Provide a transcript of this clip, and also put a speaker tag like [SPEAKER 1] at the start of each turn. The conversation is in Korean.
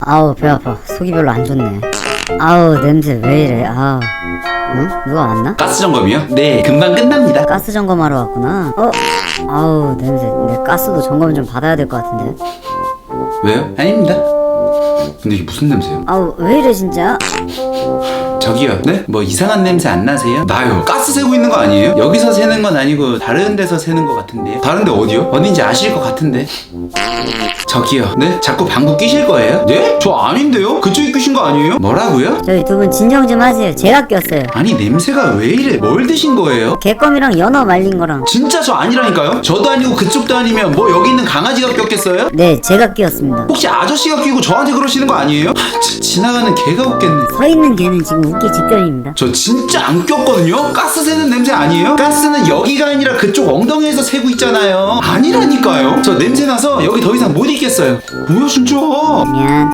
[SPEAKER 1] 아우 배 아파. 속이 별로 안 좋네. 아우 냄새 왜 이래. 아우. 응? 누가 왔나?
[SPEAKER 2] 가스 점검이요? 네, 금방 끝납니다.
[SPEAKER 1] 가스 점검하러 왔구나. 아우 냄새. 내 가스도 점검 좀 받아야 될 것 같은데.
[SPEAKER 2] 왜요? 아닙니다. 근데 이게 무슨 냄새요?
[SPEAKER 1] 아우 왜 이래 진짜.
[SPEAKER 2] 저기요, 네? 뭐 이상한 냄새 안 나세요? 나요. 가스 새고 있는 거 아니에요? 여기서 새는 건 아니고 다른 데서 새는 거 같은데요? 다른 데 어디요? 어딘지 아실 것 같은데. 저기요, 네? 자꾸 방구 끼실 거예요? 네? 저 아닌데요? 그쪽이 끼신 거 아니에요? 뭐라고요?
[SPEAKER 1] 저희 두 분 진정 좀 하세요. 제가 꼈어요.
[SPEAKER 2] 아니 냄새가 왜 이래? 뭘 드신 거예요?
[SPEAKER 1] 개껌이랑 연어 말린 거랑.
[SPEAKER 2] 진짜 저 아니라니까요? 저도 아니고 그쪽도 아니면 뭐 여기 있는 강아지가 꼈겠어요?
[SPEAKER 1] 네 제가 끼었습니다.
[SPEAKER 2] 혹시 아저씨가 끼고 저한테 그러시는 거 아니에요? 지나가는 개가 웃겠네.
[SPEAKER 1] 서 있는 개는 지금 웃기 직전입니다.
[SPEAKER 2] 저 진짜 안 꼈거든요? 가스 새는 냄새 아니에요? 가스는 여기가 아니라 그쪽 엉덩이에서 새고 있잖아요. 아니라니까요. 저 냄새 나서 여기 더 이상 못 있겠어요. 뭐야 진짜.
[SPEAKER 1] 미안.